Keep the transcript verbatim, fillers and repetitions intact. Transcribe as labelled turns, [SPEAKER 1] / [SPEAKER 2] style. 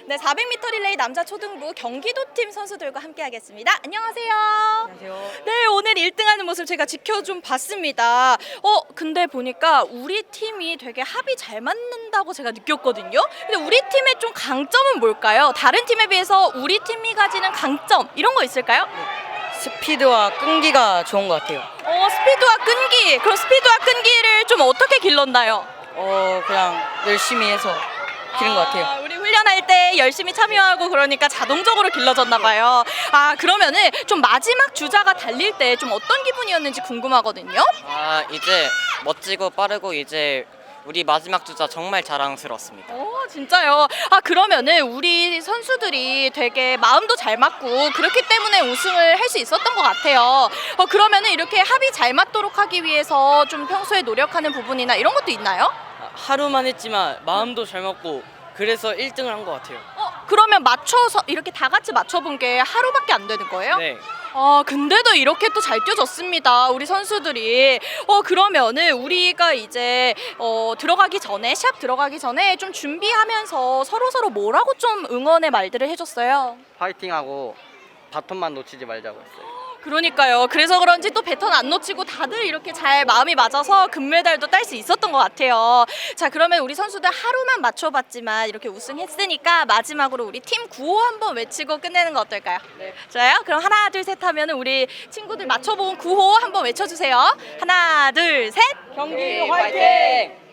[SPEAKER 1] 네, 사백 미터 릴레이 남자 초등부 경기도팀 선수들과 함께하겠습니다. 안녕하세요.
[SPEAKER 2] 안녕하세요.
[SPEAKER 1] 네, 오늘 일 등하는 모습 제가 지켜 좀 봤습니다. 어, 근데 보니까 우리 팀이 되게 합이 잘 맞는다고 제가 느꼈거든요. 근데 우리 팀의 좀 강점은 뭘까요? 다른 팀에 비해서 우리 팀이 가지는 강점 이런 거 있을까요?
[SPEAKER 2] 스피드와 끈기가 좋은 것 같아요.
[SPEAKER 1] 어, 스피드와 끈기. 그럼 스피드와 끈기를 좀 어떻게 길렀나요?
[SPEAKER 2] 어 그냥 열심히 해서 기른 것 같아요.
[SPEAKER 1] 아, 우리 훈련할 때 열심히 참여하고 그러니까 자동적으로 길러졌나 봐요. 아, 그러면은 좀 마지막 주자가 달릴 때 좀 어떤 기분이었는지 궁금하거든요.
[SPEAKER 3] 아 이제 멋지고 빠르고 이제 우리 마지막 주자 정말 자랑스러웠습니다.
[SPEAKER 1] 오, 진짜요? 아, 그러면은 우리 선수들이 되게 마음도 잘 맞고 그렇기 때문에 우승을 할 수 있었던 것 같아요. 어, 그러면은 이렇게 합이 잘 맞도록 하기 위해서 좀 평소에 노력하는 부분이나 이런 것도 있나요?
[SPEAKER 2] 하루만 했지만 마음도 잘 먹고 그래서 일 등을 한 것 같아요.
[SPEAKER 1] 어, 그러면 맞춰서 이렇게 다 같이 맞춰본 게 하루밖에 안 되는 거예요?
[SPEAKER 2] 네.
[SPEAKER 1] 아, 근데도 이렇게 또 잘 뛰어줬습니다. 우리 선수들이. 어, 그러면은 우리가 이제 어, 들어가기 전에 시합 들어가기 전에 좀 준비하면서 서로 서로 뭐라고 좀 응원의 말들을 해줬어요.
[SPEAKER 4] 파이팅하고 바톤만 놓치지 말자고 했어요.
[SPEAKER 1] 그러니까요. 그래서 그런지 또 배턴 안 놓치고 다들 이렇게 잘 마음이 맞아서 금메달도 딸 수 있었던 것 같아요. 자, 그러면 우리 선수들 하루만 맞춰봤지만 이렇게 우승했으니까 마지막으로 우리 팀 구호 한번 외치고 끝내는 거 어떨까요? 네. 좋아요. 그럼 하나, 둘, 셋 하면 우리 친구들 맞춰본 구호 한번 외쳐주세요. 하나, 둘, 셋.
[SPEAKER 2] 경기 화이팅!